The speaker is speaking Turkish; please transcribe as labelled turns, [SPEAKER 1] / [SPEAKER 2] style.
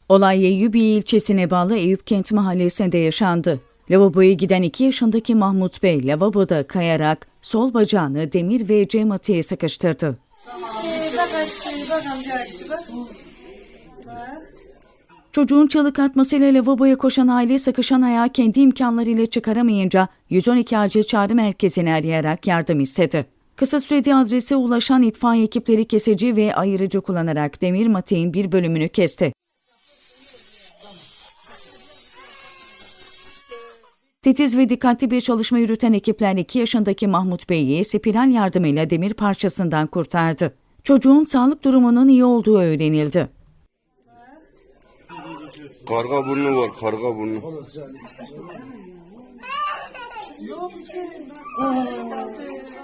[SPEAKER 1] Olay Eyyubiye ilçesine bağlı Eyüpkent mahallesinde yaşandı. Lavaboya giden 2 yaşındaki Mahmut Bey lavaboda kayarak sol bacağını demir ve cam atıya sıkıştırdı. Çocuğun çığlık atmasıyla lavaboya koşan aile sıkışan ayağı kendi imkanlarıyla çıkaramayınca 112 acil çağrı merkezini arayarak yardım istedi. Kısa sürede adrese ulaşan itfaiye ekipleri kesici ve ayırıcı kullanarak demir mateğin bir bölümünü kesti. Titiz ve dikkatli bir çalışma yürüten ekipler 2 yaşındaki Mahmut Bey'i spiral yardımıyla demir parçasından kurtardı. Çocuğun sağlık durumunun iyi olduğu öğrenildi.
[SPEAKER 2] Karga burnu var, karga burnu.
[SPEAKER 3] Yok.